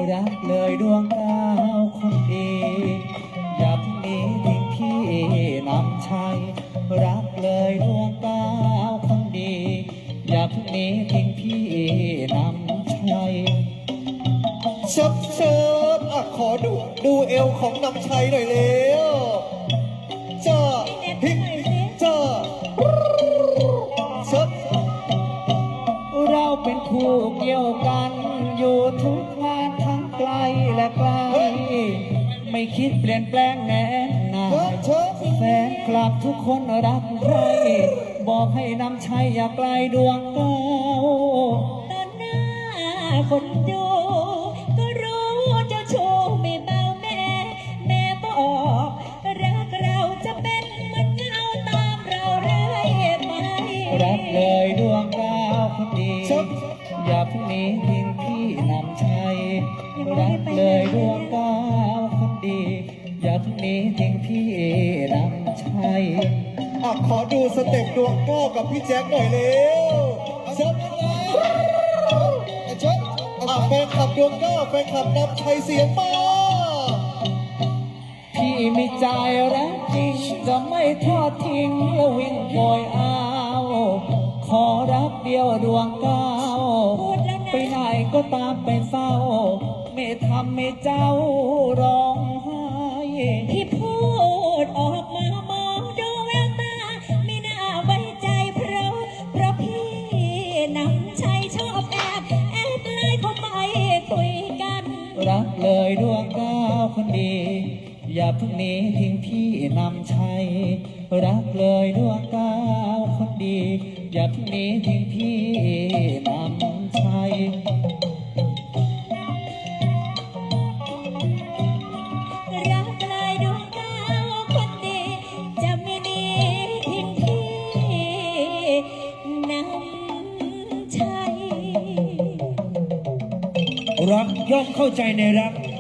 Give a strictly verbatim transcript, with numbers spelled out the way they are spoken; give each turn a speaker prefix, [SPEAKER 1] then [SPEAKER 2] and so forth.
[SPEAKER 1] รักเลยดวงดาวคนดีอย่าเพิ่งหนีทิ้งพี่นำชัยรักเลยดวงดาวคนดีอย่าเพิ่งหนีทิ้งพี่นำชัย
[SPEAKER 2] เชิบเชิบอ่ะขอดูดูเอวของนำชัยหน่อยเร็วจ้าฮิจ้าเชิบ
[SPEAKER 1] เราเป็นคู่เกี่ยวกันอยู่ทุกงานทั้งไกลและไกลไม่คิดเปลี่ยนแปลงแน่นอนแฟนคลับทุกคนรักใครบอกให้นำชัยอย่าไกลดวงดาว
[SPEAKER 3] ตอนหน้าคนดูก็รู้เจ้าชู้ไม่เบาแม่แม่บอกรักเราจะเป็นเหมือนเงาตามเราเรื่อยไป
[SPEAKER 1] รักเลยดวงดาวคนดีอย่าเพิ่งหนีทิ้งพี่นำชัยรักเลยดวงดาวคนดีอย่าเพิ่งหนีทิ้งพี่นำชัย
[SPEAKER 2] อ่ะขอดูสเต็ปดวงก้อกับพี่แจ็คหน่อยเร็วเชิบเชิบอ่ะแฟนขับดวงก้อแฟนขับนำชัยเสียงมา
[SPEAKER 1] พี่มีใจรักจริงจะไม่ทอดทิ้งและวิ่งโอยเอาขอรักเดียวดวงดาวไปไหนก็ตามไปเฝ้าไม่ทำให้เจ้าร้องไห้
[SPEAKER 3] ที่พูดออกมามองดูแววตาไม่น่าไว้ใจเพราะเพราะพี่นำชัยชอบแอบแอบไล่เข้าไปคุยกัน
[SPEAKER 1] รักเลยดวงดาวคนดีอย่าเพิ่งหนีทิ้งพี่นำชัยรักเลยดวงดาวคนดีอย่าเพิ่งหนีทิ้งพี่นำชัย
[SPEAKER 3] รักเลยดวงดาวคนดีจะไม่หนีทิ้งพี่นำชัย
[SPEAKER 4] รักย่อมเข้าใจในรัก